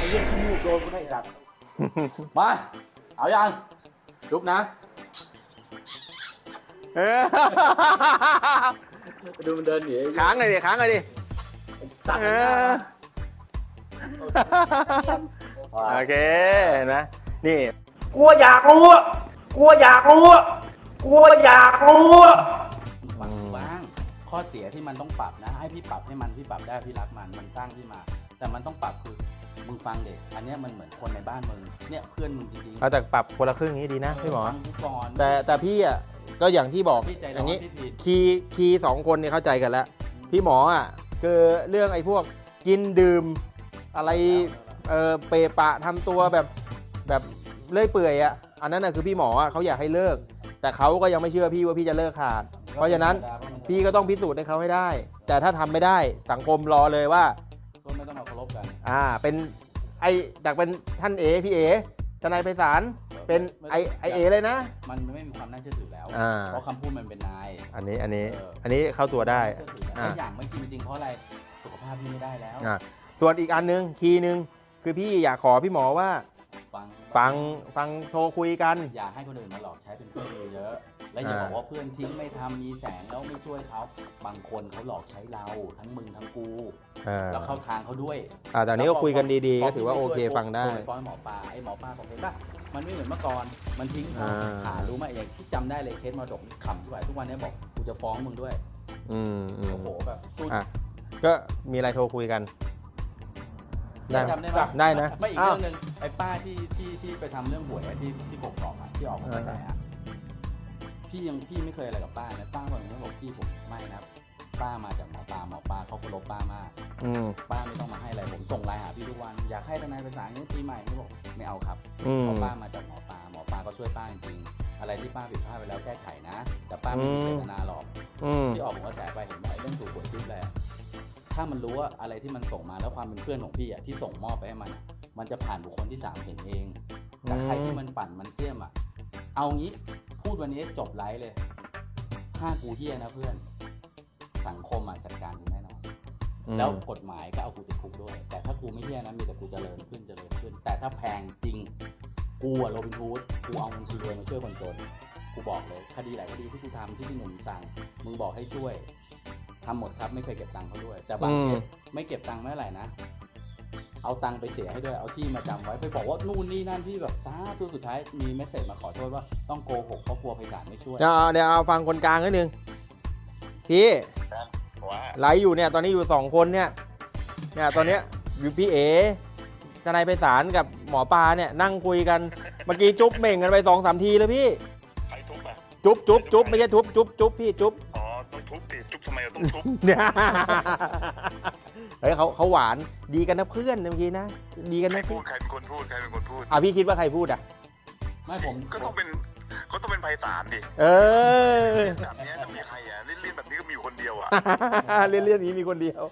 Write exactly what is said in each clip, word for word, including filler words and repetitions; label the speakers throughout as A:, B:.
A: เรื่องขี้มูกโดนกูได้สัตว์มาเอายังจุ๊บนะดูมันเดินหนี
B: ค้างเลยดิค้างเลยดิ
A: สัตว์
B: โอเคนะนี่
C: กลัวอยากรู้กลัวอยากรู้กลัวอยากรู้
A: ฟังบ้างข้อเสียที่มันต้องปรับนะให้พี่ปรับให้มันพี่ปรับได้พี่รักมันมันสร้างพี่มาแต่มันต้องปรับคือมึงฟังเด็กอันนี้มันเหมือนคนในบ้านมึงเนี่ยเพื่อนมึงจริงๆ
B: เอาแต่ปรับคนละครึ่งนี้ดีนะพี่หมอ
A: แต่
B: แต่พี่อ่ะก็อย่างที่บอกอย่างนี้คีย์คีย์สองคนเนี่ยเข้าใจกันแล้วพี่หมออ่ะคือเรื่องไอ้พวกกินดื่มอะไรเออเปปะทำตัวแบบแบบเลื่อยเปื่อยอ่ะอันนั้นน่ะคือพี่หมออ่ะเขาอยากให้เลิกแต่เขาก็ยังไม่เชื่อพี่ว่าพี่จะเลิกขาดเพราะฉะนั้นพี่ก็ต้องพิสูจน์ให้เขาให้ได้แต่ถ้าทำไม่ได้สังคมรอเลยว่า
A: ก็ไม่ต้องมาเคารพกัน
B: อ่าเป็นไอจากเป็นท่านเอพี่เอทนายไพศาลเป็นไอไอเอเลยนะ
A: มันไม่มีความน่าเชื่อถือแล้วเพราะคำพูดมันเป็นนาย
B: อันนี้อันนี้อันนี้เข้าตัวได้
A: อย่างไม่กินจริงเพราะอะไรสุขภาพพี่ไม่ได้แล้ว
B: ส่วนอีกอันนึงคีย์นึงคือพี่อยากขอพี่หมอว่า
A: ฟัง
B: ฟังฟังโทรคุยกัน
A: อย่าให้คนอื่นมาหลอกใช้เป็นเพื่อนเยอะและอย่าบอกว่าเพื่อนทิ้งไม่ทำมีแสงแล้วไม่ช่วยเขาบางคนเขาหลอกใช้เราทั้งมึงทั้งกูแล้วเข้าทางเขาด้วย
B: อ่าแต่นี้ก็คุยกันดีๆก็ถือว่าโอเคฟังได้
A: ไปฟ้องหมอปลาไอ้หมอปลาบอกเห็นป่ะมันไม่เหมือนเมื่อก่อนมันทิ้งหารู้ไหมอย่างที่จำได้เลยเคสมรดกขำที่ไหวทุกวันนี้บอกกูจะฟ้องมึงด้วย
B: อืม
A: โอ้โหแบบ
B: อ่ะก็มีอะไรโทรคุยกัน
A: ได้จำได้ไหม
B: ได้นะ
A: ไม่อีกเรื่องนึงไอ้ป้าที่ที่ที่ไปทำเรื่องหวยที่ที่กกอกอ่ะที่ออกกระแสอ่ะพี่ยังพี่ไม่เคยอะไรกับป้านะป้าบอกอย่างนี้บอกพี่ผมไม่นะป้ามาจากหมอปลาหมอปลาเขาเคารพป้ามากป้าไม่ต้องมาให้อะไรผมส่งไลน์หาพี่ทุกวันอยากให้ทนายภาษาอย่างนี้ปีใหม่เขาบอกไม่เอาครับเพราะป้ามาจากหมอปลาหมอปลาก็ช่วยป้าจริงๆอะไรที่ป้าผิดพลาดไปแล้วแก้ไขนะแต่ป้าไม่มีเจตนาหรอกที่ออกกระแสไปเห็นไหมเรื่องถูกหวยทิพย์แหละถ้ามันรู้ว่าอะไรที่มันส่งมาแล้วความเป็นเพื่อนของพี่อ่ะที่ส่งมอบไปให้มันมันจะผ่านบุคคลที่สามเห็นเองแต่ใครที่มันปั่นมันเสี่ยมอ่ะเอางี้พูดวันนี้จบไลฟ์เลยถ้ากูเฮี้ยนะเพื่อนสังคมอ่ะจัดการกูแน่นอนแล้วกฎหมายก็เอากูติดคุกด้วยแต่ถ้ากูไม่เฮี้ยนะมีแต่กูเจริญขึ้นเจริญขึ้นแต่ถ้าแพงจริงกูอ่ะโรบินฮูดกูเอาเงินคนรวยมาช่วยคนจนกูบอกเลยคดีหลายคดีที่กูทำที่พี่หนุ่มสั่งมึงบอกให้ช่วยทำหมดครับไม่เคยเก็บตังค์เขาด้วยแต่บางเคสไม่เก็บตังค์ไม่เท่าไหร่นะเอาตังค์ไปเสียให้ด้วยเอาที่มาจำไว้ไปบอกว่านู่นนี่นั่นพี่แบบซาทุกสุดท้ายมีเมสเซจมาขอโทษว่าต้องโกหกเพราะกลัวไพศาลไม่ช่วย
B: เดี๋ยวเดี๋ยวเอาฟังคนกลางนิดนึงพี่ไลฟ์อยู่เนี่ยตอนนี้อยู่สองคนเนี่ยเนี่ยตอนเนี้ยอยู่พี่เอ๋ทนายไพศาลกับหมอปลาเนี่ยนั่งคุยกันเมื่อกี้จุ๊บเม่งกันไปสองสามทีเลยพี่
D: ใครทุบอ่ะ
B: จุ๊บจุ๊บจุ๊บไม่ใช่ทุบจุ๊บจุ๊บพี่จุ๊บ
D: ต้องทุบดิจุ๊บทำไมเราต้องทุบ
B: เนี่ยเฮ้ยเขาเขาหวานดีกันนะเพื่อนเมื่อกี้นะดีกันนะ
D: พูดใครเป็นคนพูดใครเป็นคนพูด
B: อ่ะพี่คิดว่าใครพูดอ่ะ
A: ไม่ผม
D: ก็ต้องเป็นก็ต้องเป็นไพศาลดิ
B: เออ
D: แบบนี้จะมีใครอ่ะเล่นๆแบบนี้ก็มีคนเดียวอ่ะ
B: เล่นเรื่องนี้มีคนเดียว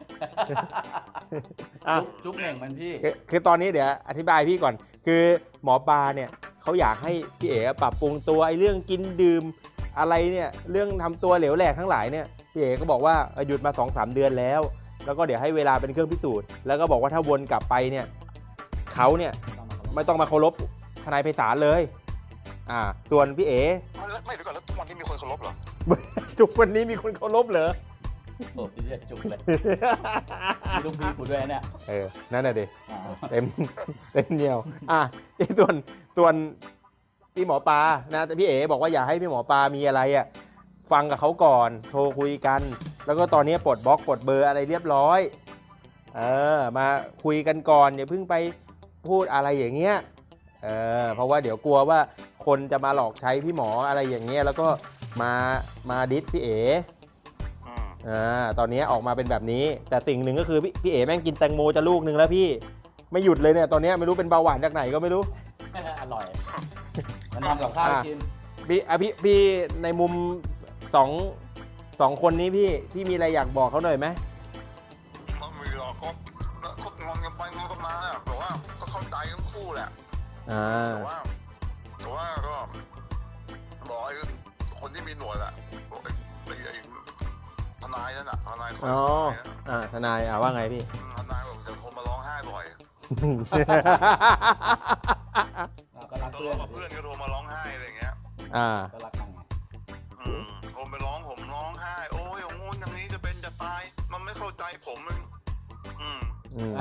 A: จุ๊บเองมันพี่
B: คือตอนนี้เดี๋ยวอธิบายพี่ก่อนคือหมอปลาเนี่ยเขาอยากให้พี่เอ๋ปรับปรุงตัวไอ้เรื่องกินดื่มอะไรเนี่ยเรื่องทำตัวเหลวแหลกทั้งหลายเนี่ยพี่เอ๋ก็บอกว่าหยุดมา สองสาม เดือนแล้วแล้วก็เดี๋ยวให้เวลาเป็นเครื่องพิสูจน์แล้วก็บอกว่าถ้าวนกลับไปเนี่ยเขาเนี่ยไม่ต้องมาเคารพทนายไพศาลเลยอ่าส่วนพี่เอ๋
D: ไม่เดี๋ยวก่อนแล้วทุกวันนี้มีคนเคารพเหรอ
B: ทุกวันนี้มีคนเคารพเหรอ
A: โอ้พี่จะจุกเลยมีลูกพี่กูด้วยเนี่ย
B: เออนั่นน่ะดิเต็มเต็มเดียวอ่ะส่วนส่วนพี่หมอปลานะแต่พี่เอ๋บอกว่าอย่าให้พี่หมอปลามีอะไรอ่ะฟังกับเขาก่อนโทรคุยกันแล้วก็ตอนนี้ปลดบล็อกปลดเบอร์อะไรเรียบร้อยเออมาคุยกันก่อนอย่าเพิ่งไปพูดอะไรอย่างเงี้ยเออเพราะว่าเดี๋ยวกลัวว่าคนจะมาหลอกใช้พี่หมออะไรอย่างเงี้ยแล้วก็มามาดิสพี่เอ๋อ่าตอนนี้ออกมาเป็นแบบนี้แต่สิ่งหนึ่งก็คือพี่พี่เอ๋แม่งกินแตงโมจะลูกนึงแล้วพี่ไม่หยุดเลยเนี่ยตอนนี้ไม่รู้เป็นเบาหวานจากไหนก็ไม่รู้
A: อร่อยมันทำกับข้าวกิน
B: พี่อ่ะพี่พี่ในมุมสองสองคนนี้พี่พี่มีอะไรอยากบอกเขาหน่อยไหม
D: ไม่มีหรอกก็ก็งอนกันไปงอนกันมาแต่ว่าก็เข้าใจทั้งคู่แหละแต่ว่าแต่ว่าก็บอกไอ้คนที่มีหนวดอะบอกไอ้ไอ้ทนายนั่นอะทนายคอย
B: อ๋ออ่าทนายอ่าว่าไงพี่
D: ทนายบอกจะโทรมาร้องไห้บ่อย
A: เราก็รัก
D: ทะ
A: เพื่อน
D: เลาะกับเพื่อนก็โทรมาร้องไห้อะไรอย่างเงี้ย
B: อ่า
A: ก็รักกันไง
D: อืมผมไปร้องผมร้องไห้ โอ้ยอย่างงู้นอย่างนี้จะเป็นจะตาย มันไม่เข้าใจผมมันอืม
B: อืม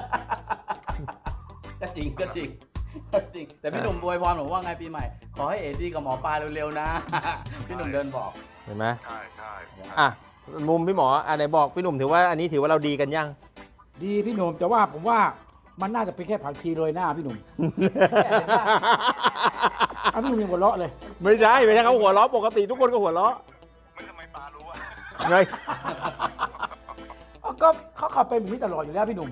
A: ก็จริงก็จริงก็จริง แต่พี่หนุ่มอวยพรผมว่าไงปีใหม่ ขอให้เอดีกับหมอปลาเร็วๆนะ พี่หนุ่มเดินบอก
B: เห็นไหม
D: ใช่ใช่
B: อ่ะมุมพี่หมออ่ะไหนบอกพี่หนุ่มถือว่าอันนี้ถือว่าเราดีกันยัง
C: ดีพี่หนุ่มแต่ว่าผมว่ามันน่าจะเป็นแค่ผักชีโรยหน้าพี่หนุ่มเอาพี่หนุ่มยังหัวเราะเลย
B: ไม่ใช่ไม่ใช่เขาหัวเราะปกติทุกคนก็หัวเราะ
D: ไม่ทำไมปลารู้อะ
B: ไง
C: เอาก็เขาขับเป็นแบบนี้ตลอดอยู่แล้วพี่หนุ่ม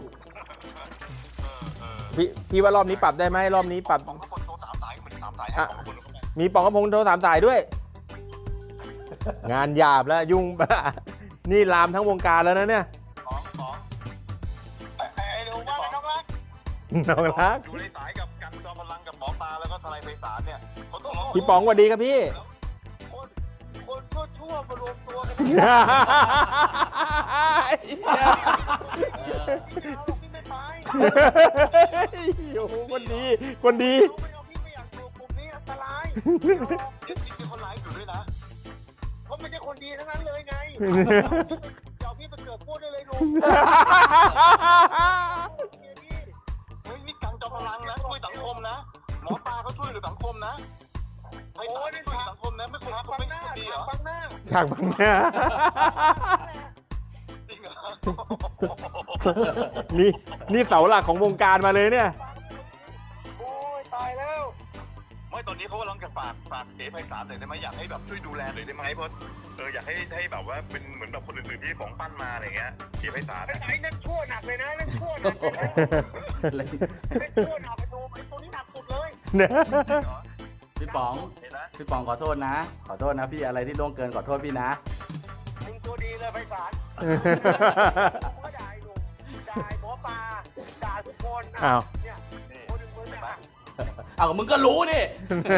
B: พี่พี่ว่ารอบนี้ปรับได้ไหมรอบนี้ปรับ
D: ผมก็คนโทรสามสายเหมือนสามสายให้ผมคนก็ไม่
B: มีปองกระพงโทรสามสายด้วย งานหยาบแล้วยุ่ง นี่ลามทั้งวงการแล้วนะเนี่ย
D: สองสองไอ้ไอ้หนูว่าน้องรัก
B: น้องรัก
D: อยู่ในสายกับกันจอมพลังกับหมอปลาแล้วก็ทนายไพศาลเนี่ยเขาต้อง
B: พี่ป๋องสวัสดีครับพี่
D: คนคนชั่วๆมารวมตัวกัน พี่ไม่ไป
B: โอ้โหคนดี คนดี
D: รู้ไหมเอาพี่ไม่อยากอยู่กลุ่มนี้อันตรายเดี๋ยวมีคนร้ายอยู่ด้วยนะเขาไม่ใช่คนดีทั้งนั้นเลยไงเดี๋ยวพี่ไปเกิดพูดได้เลยลุงเฮ้ยนี่กังจอมพลังนะช่วยสังคมนะหมอปลาเขาช่วยเหลือสังคมนะไอ้ตาช่วยสังคมนะไม่คนเขาไม่คนดีเหรอ
B: ฉากบังหน้า
D: จริงเหรอ
B: นี่นี่เสาหลักของวงการมาเลยเนี่ย
D: โอ้ยตายแล้วไม่ตอนนี้เขากำลังจะฝากฝากเอ๋ไพศาลหน่อยได้ไหมอยากให้แบบช่วยดูแลหน่อยได้ไหมเพราะเอออยากให้ให้แบบว่าเป็นเหมือนแบบคนอื่นๆที่ของปั้นมาอะไรเงี้ยเอ๋ไพศาล
E: ไอ้ไอ้นั่นชั่วหนักเลยนะนั่นชั่วหนักเลยนะนั่นชั่วหนักไปดูไอ้ตัวนี้หนักสุดเลย
A: พี่ป๋อง
D: เห็นไหม
A: พี่ป๋องขอโทษนะ ขอโทษนะพี่อะไรที่ล่วงเกินขอโทษพี่นะ
E: มึงตัวดีเลยไพศาลมึงก็ด่าไอ้หนุ่มด่าไอ้หมอปลาด่าทุกคนนะ
B: อ้าว
E: เนี่ยคนหนึ่งมึงเนี่ย
A: เอามึงก็รู้นี่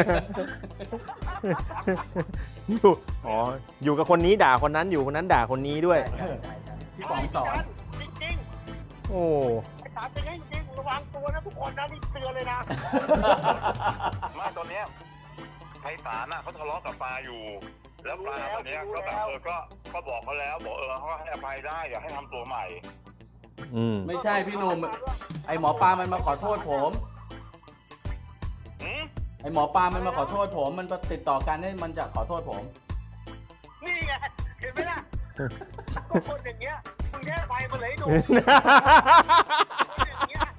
B: อยู่อ๋อ อยู่กับคนนี้ด่าคนนั้นอยู่คนนั้นด่าคนนี้ด้วย
A: พี่ป๋องสอน
E: จริง
B: โอ้
E: ๆไอ้สารเป็นไงจริงระวังตัวนะทุกคนนะนี่เตือนเลยนะ
D: ไมาตอนเนี้ยไพศาลน่ะเขาทะเลาะกับปลาอยู่ แล้วปลาตอนเนี้ยก็แบบเออก็ก็บอกเขาแล้วบอกเออเขาให้อภัยได้อย่าให้ทำตัวใหม่
B: อืม
A: ไม่ใช่พี่หนุ่มไอหมอปลามันมาขอโทษผม
D: หืม
A: ไอหมอปลามันมาขอโทษผม มันติดต่อกันให้มันจะขอโทษผม
E: นี่ไงเห็นไหมล่ะก็คนอย่างเงี้ยมึงแค่ไปมาเลยไอ้หนุ่มคนอย่างเงี้ย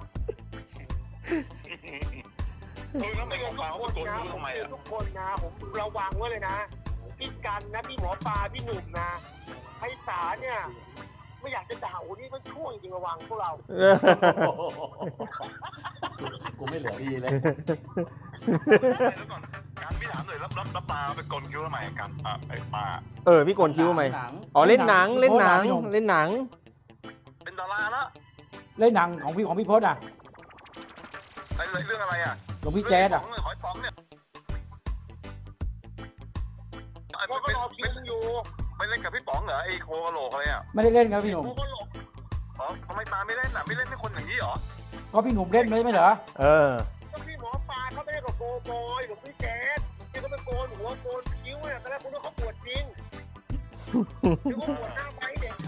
D: เออแล้วทำไมของปลาเขาโกนรู้ทำไมอ่ะ
E: ทุกคนนะผมระวังไว้เลยนะพี่กันนะพี่หมอปลาพี่หนุ่มนะไพศาลเนี่ยไม่อยากจะด่าโอ้นี่มันช่วงจริงระวังพวกเรา
A: กูไม่เหลือดีเลย
D: แล้วก่อนการพี่ถามหน่อยแล้วแล้วแล้วปลาไปโกนคิ้วทำไมกันอ่ะไอ้ปลา
B: เออ พี่โกนคิ้วทำไม
A: หนัง
B: อ๋อ เล่นหนัง เล่นหนัง เล่นหนัง
D: เป็นดาราละ
C: เล่นหนังของพี่ของพี่พจน์อ่ะ
D: ไอ้เรื่องอะไรอ่ะ
C: หลวงพี่แจ๊ดอ่ะ
D: เรื่องหอยป๋องเนี่ยไอ้
E: พวกก็
D: เป็น
E: รอคิว
D: เป็น
E: มึงอยู่
D: ไปเล่นกับพี่ป๋องเหรอไอ้โคกะโหลกอะไรอ่ะ
C: ไม่ได้เล่นครับพี่หนุ่ม
E: พวกก็หลบ
D: อ๋อทำไมปลาไม่เล่นอ่ะไม่เล่นให้คนอย่างนี้เหรอ
C: ก็พี่หนุ่มเล่นไม่ใช่เหรอ
B: เออ
E: ก็พี่หมอปลาเขาไม่ได้กับโกโบอยหรือพี่แจ๊ดที่เขาไปโกนหัวโกนคิ้วเนี่ยตอนแรกคุณว่าเขาปวดจริงหรือว่าปวดหน้าไปเด็กเขา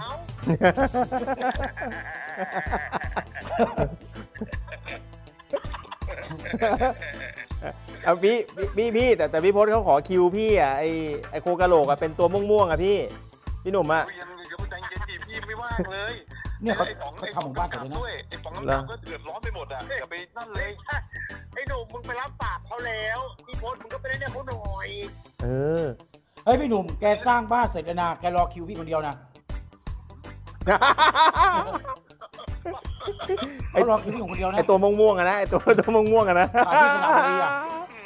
B: เอาพี่พี่พี่พี่แต่แต่พี่พจน์เขาขอคิวพี่อ่ะไอไอโคกะโหลกอ่ะเป็นตัวม่วงๆอ่ะพี่ พี่หนุ่มอ่ะ
D: คุยยังเดี๋ยวใจเย็นดิพี่ไม่ว่างเลย
C: เนี่ยเขา
D: ไอ้ป๋อง
C: เขา
D: ไอ้
C: ทำหมู่บ้านเสร็จเลยนะ
D: ด้วยไอ้ป๋องน้ำดำก็เดือดร้อนไปหมดอ่ะอย่าไปนั่นเลย
E: ไอ้หนุ่มมึงไปรับปากเขาแล้วพี่พจน์มึงก็ไปเล่นให้เขาหน่อย
B: เออ
C: เฮ้ยพี่หนุ่มแกสร้างบ้านเสร็จแล้วนะแกรอคิวพี่คนเดียวนะเขารอคิวพี่คนเดียวนะ
B: ไอตัวม่วงๆอะนะไอตัวตัวม่วงๆอะนะ
C: ขายที่สนามบุรีอะ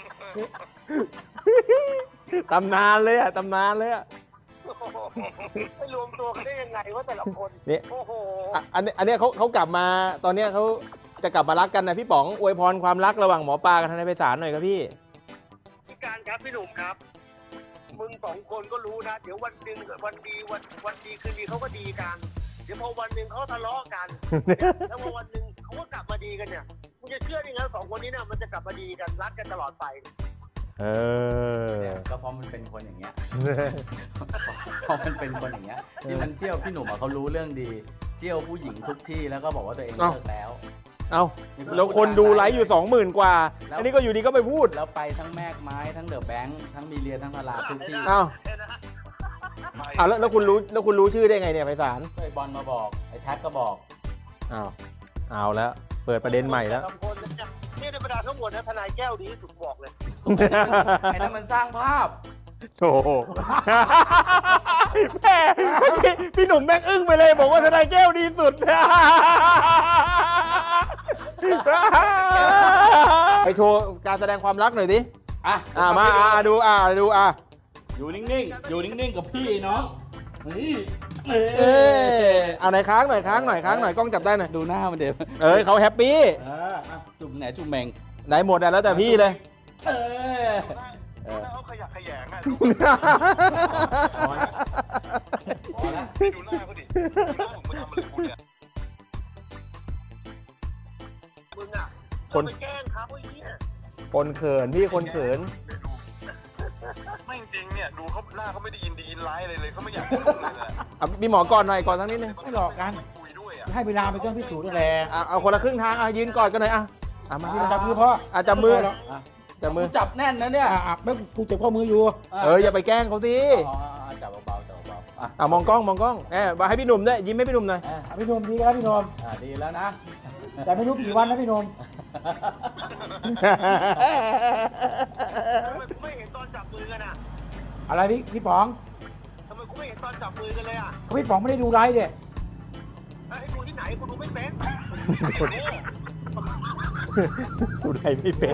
B: ตำนานเลยอ่ะตำนานเลยอ่ะ
E: ไปรวมตัวกันได้ยังไงว่าแต่ละคน
B: นี่
E: โอ้โห
B: อ่ะอันนี้อันเนี้ยเขาเขากลับมาตอนเนี้ยเขาจะกลับมารักกันนะพี่ป๋องอวยพรความรักระหว่างหมอปลากับทนายไพศาลหน่อยครับพี่
E: พี่การครับพี่หนุ่มครับ มึงสองคนก็รู้นะ เดี๋ยววันหนึ่งวันดีวันวันดีคืนดีเขาก็ดีกัน เดี๋ยวพอวันหนึ่งเขาทะเลาะกัน แล้วพอวันหนึ่งเขาก็กลับมาดีกันเนี่ยมึงจะเชื่อได้ไงสองคนนี้เนี่ยมันจะกลับมาดีกันรักกันตลอดไป
B: เออ
A: เนี่ยก็เพราะมันเป็นคนอย่างเงี้ย เพราะมันเป็นคนอย่างเงี้ยที่มันเที่ยวพี่หนุ่มอะเขารู้เรื่องดี เที่ยวผู้หญิงทุกที่แล้วก็บอกว่าตัวเอง
B: เอ้า
A: เลิกแล้ว
B: เอ้าแล้วคนดูไลฟ์อยู่สองหมื่นกว่า อันนี้ก็อยู่ดีก็ไปพูด
A: แล้วไปทั้งแมกไม้ทั้งเดอะแบงค์ทั้งมีเรียทั้งพาราทุกที่
B: เอ้าอ้าวแล้วแล้วคุณรู้แล้วคุณรู้ชื่อได้ไงเนี่ยไพศาล
A: ไอ้บอลมาบอกไอ้แท็กก็บอก
B: อ้าวเอาแล้วเปิดประเด็นใหม่แล้ว
E: สองคนเนี่ยนี่ในบรรดาทั้งหมดนะทนายแก้วดีที่สุดบอกเลย
A: ไอ้นั่นมันสร้างภาพ
B: โอ้โหแม่เมื่อกี้พี่หนุ่มแม่งอึ้งไปเลยบอกว่าทนายแก้วดีสุด ไปโชว์การแสดงความรักหน่อยดิ
A: อ่ะ
B: อ่ามาอ่าดูอ่าดูอ่ะ
A: อยู่นิ่งๆ อยู่นิ่งๆ กับพี่น้องนี่
B: เออเอาไหนอยค้างหน่อยค้างหน่อยค้างหน่อยกล้องจับได้หน่อย
A: ดูหน้ามันเดี๋ยว
B: เอ้ยเขาแฮปปี้
A: อ่าอ่ะจุ่มไหนจุ่มแมง
B: ไหนหมดอ่ะแล้วแต่พี่เลย
A: เออ
D: ดูหน้าเขาขยะแขยงอ่ะ
A: พอละ
D: ดูหน้าเขาดิดูหน้าผมมาทำอะไรกูเนี่ย
E: มึงอ่ะ
B: คน
E: ไปแกล้งเขาไอ้เหี้ย
B: คนเขินพี่คนเขิน
D: ไม่จริงเนี่ยดูเขาหน้าเขาไม่ได้ยินดีอินไลท์อะไรเลยเขาไม่อยากพูดเลยนะ
B: เอาพี่หมอก่อนหน่อยก่อนสักนิดนึง
F: ไม่หลอกกัน
D: คุยด้วยอ่ะ
F: ให้เวลาเป็นเครื่องพิสูจน์นั่นแหละ
B: อ่ะเอาคนละครึ่งทางอ่ะยืนกอดกันหน่อยอ่ะอ่ะมาพี่
F: จับมือพ่อ
B: อ่ะจับมือ
F: แล้ว
A: อ่ะ
B: จับมือ
A: จับแน่นนะเนี่ย
F: อ่ะอ่ะไม่กูเจ็บข้อมืออยู่
B: เอออย่าไปแกล้งเขาสิ
A: อ๋ออ๋อจับเบาๆจับเบาๆอ่ะ
B: อ่ะมองกล้องมองกล้องแอบมาให้พี่หนุ่มด้วยยิ้มให้พี่หนุ่มหน่อย
A: อ่ะ
F: อ่ะพี่หนมดีครับพี่หนม
A: อ่ะดีแล้วนะ
F: แต่ไม่รู้กี่วันนะพี่หนม
E: ทำไมกูไม่เห็นตอนจับมือกันอ่ะ
F: อะไรพี่พี่ป๋อง
E: ทำไมกูไม่เห็นตอนจับมือกันเลยอ่ะ
F: พี่ป๋องไม่ได้ดูไลฟ์เด็
E: เอ้ยให้ดูที่ไหนกูดูไม่เป็น
B: ดูไรไม่เป็น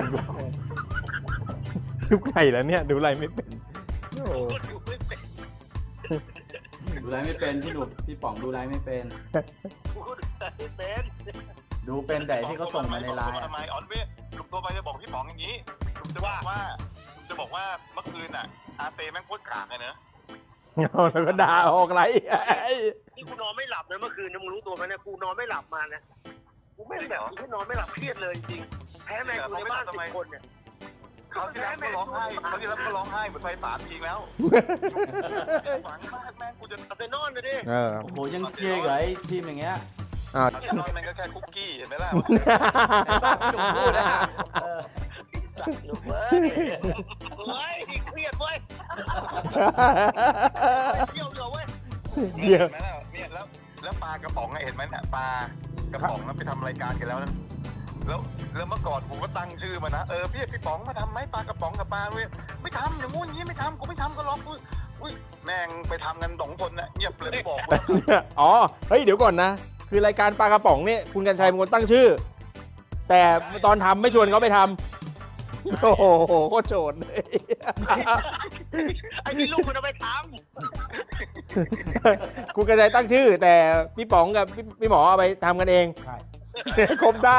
B: ดูไรแล้วเนี่ยดูไรไม่เป็นโอ้
E: กูดูไม่เป็น
A: ดูไลฟ์ไม่เป็นพี่หนุ่มพี่ป๋องดูไลฟ์ไม่เป็น
E: กูดูไม่เป็น
A: ดูเป็นแต่ที่เขาส่งมาในไลน์
D: ทำ
A: อ่ะ
D: ไมออนเวทลุงตัวไปจะบอกพี่ป๋องอย่างนี้ลุงจะบอกว่าลุงจะบอกว่าเมื่อคืนอ่ะอาเปแม่งโคตรกากเลยเนอะ
B: เอาแล้วก็ด่าออกไร
E: นี่กูนอนไม่หลับเลยเมื่อคืนนะมึงรู้ตัวไหมเนี่ยกูนอนไม่หลับมานะกูไม่ได้แบบกูนอนไม่หลับเครียดเลยจริงๆแพ้แมนกูในบ้านสิบคนเนี่ย
D: เขาที่แล้วก็ร้องไห้เขาที่แล้วก็ร้องไห้เหมือนไฟสามทีแล้วฝังมากแม่งกูจะ
E: เอาไปนอนเลยดิ
B: เออ
A: โอ้โหยังเชียร์กับไอ้ทีมอย่างเงี้ย
B: อ่า
D: ตอนนี้แม่งก็แค่คุกกี้เห็นไหมล่ะ
A: ไอ้บ้าพี่หนุ่มพูดนะเออ
E: สัตว์เว้ยเฮ้ยเครียดเว้ยเที่ยวเหลือเว้ย
B: เดี๋ยว
D: เห็นไหมล่ะเนี่ยแล้วแล้วปลากระป๋องอะเห็นไหมเนี่ยปลากระป๋องนั้นไปทำรายการกันแล้วนะแล้วแล้วเมื่อก่อนผมก็ตั้งชื่อมานะเออพี่พี่ป๋องมาทำไหมปลากระป๋องกับปลาเว้ยไม่ทำอย่างงู้นอย่างนี้ไม่ทำกูไม่ทำก็ล็อกอุ้ยอุ้ยแม่งไปทำกันสองคนนะเงียบเลยไม่บอกว่า
B: อ๋อเฮ้ยเดี๋ยวก่อนนะ คือรายการปลากระป๋องเนี่ยคุณกัญชัยเป็นคนตั้งชื่อ แต่ตอนทำไม่ชวนเขาไปทำโอ้โหโคตรโจรเลย
E: ไอ้นี่ลูกมันเอาไปท
B: คุณกัญชัยตั้งชื่อ แต่พี่ป๋องกับพี่พี่หมอเอาไปทำกันเอง
F: ใช่
B: ครบได้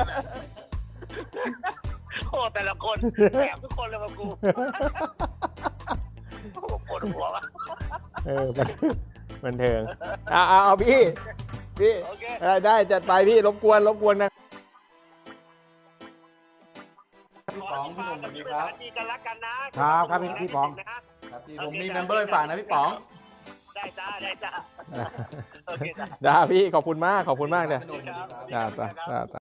E: ำโอ้แต่ละคนแสบทุกคนเลยมากูโอ้ปวดหัวว่ะ
B: เออมันมันเทิงเอาเอาเอาพี่พี่
E: โอเค
B: ได้ได้จัดไปพี่รบกวนรบกวนนะ
A: พี่ป๋องพี่หนุ่มสวัสดีครับ
E: ดีกันรักกันนะครับ
F: ครับพี่พี่ป๋อง
A: ครับพี่ผมมีเมมเบอร์ฝากนะพี่ป๋อง
E: ได้จ้าได้จ้าโอเคจ้า
B: ได้พี่ขอบคุณมากขอบคุณมากเลย
A: พี่หนุ่มสวัสดีครับ
B: จ้าจ้าจ้า